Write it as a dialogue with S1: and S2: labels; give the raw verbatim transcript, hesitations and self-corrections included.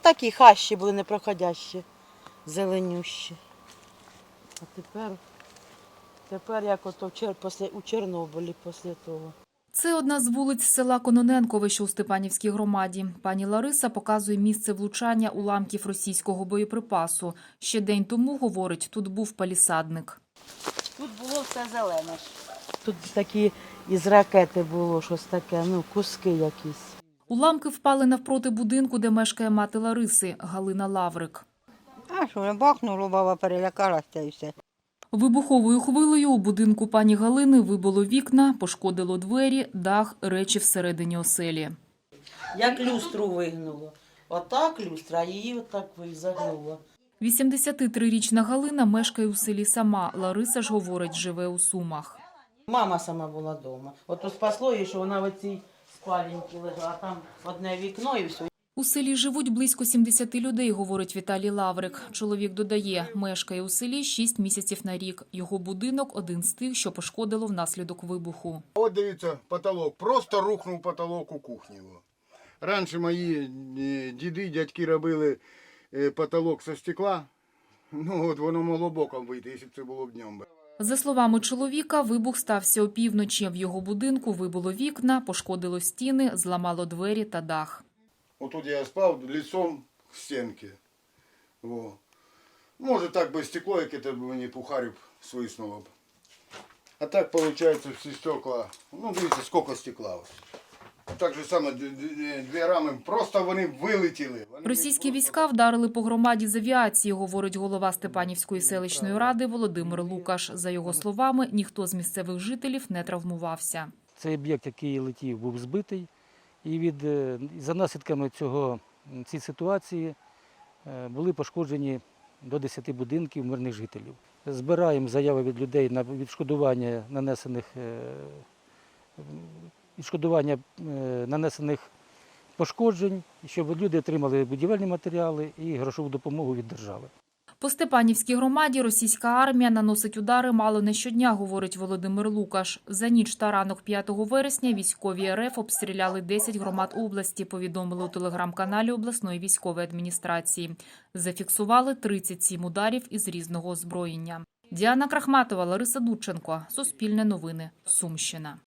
S1: такі хащі були непроходящі, зеленющі. А тепер, тепер як ото в Чер... після... у Чорнобилі після того.
S2: Це одна з вулиць села Кононенкове, що у Степанівській громаді. Пані Лариса показує місце влучання уламків російського боєприпасу. Ще день тому, говорить, тут був палісадник.
S1: Тут було все зелене. Тут такі із ракети було щось таке, ну, куски якісь.
S2: Уламки впали навпроти будинку, де мешкає мати Лариси, Галина Лаврик.
S3: А що, не бахнуло, баба перелякалася і все.
S2: Вибуховою хвилею у будинку пані Галини вибило вікна, пошкодило двері, дах, речі всередині оселі.
S1: Як люстру вигнуло. Отак люстра, а її отак загнуло.
S2: вісімдесятитрирічна Галина мешкає у селі сама. Лариса ж, говорить, живе у Сумах.
S1: Мама сама була вдома. От спасло її, що вона в цій спаленці лежала, а там одне вікно і все.
S2: У селі живуть близько сімдесяти людей, говорить Віталій Лаврик. Чоловік додає, мешкає у селі шість місяців на рік. Його будинок – один з тих, що пошкодило внаслідок вибуху.
S4: От дивіться, потолок. Просто рухнув потолок у кухні. Раніше мої діди, дядьки робили потолок зі стекла. Ну от воно могло боком вийти, якщо б це було б днем.
S2: За словами чоловіка, вибух стався опівночі. В його будинку вибило вікна, пошкодило стіни, зламало двері та дах.
S4: Отут я спав лицом к стінки. Во. Може так би стекло, яке б мені пухарів свиснуло б. А так виходить всі стекла, ну дивіться, скільки стекла ось. Так же саме дві рами, просто вони вилетіли. Вони
S2: Російські війська вдарили по громаді з авіації, говорить голова Степанівської селищної ради Володимир Лукаш. За його словами, ніхто з місцевих жителів не травмувався.
S5: Цей об'єкт, який летів, був збитий. І від, за наслідками цього, цієї ситуації були пошкоджені до десяти будинків мирних жителів. Збираємо заяви від людей на відшкодування нанесених, відшкодування нанесених пошкоджень, щоб люди отримали будівельні матеріали і грошову допомогу від держави.
S2: По Степанівській громаді російська армія наносить удари мало не щодня, говорить Володимир Лукаш. За ніч та ранок п'ятого вересня військові РФ обстріляли десять громад області, повідомили у телеграм-каналі обласної військової адміністрації. Зафіксували тридцять сім ударів із різного озброєння. Діана Крахматова, Лариса Дудченко. Суспільне новини. Сумщина.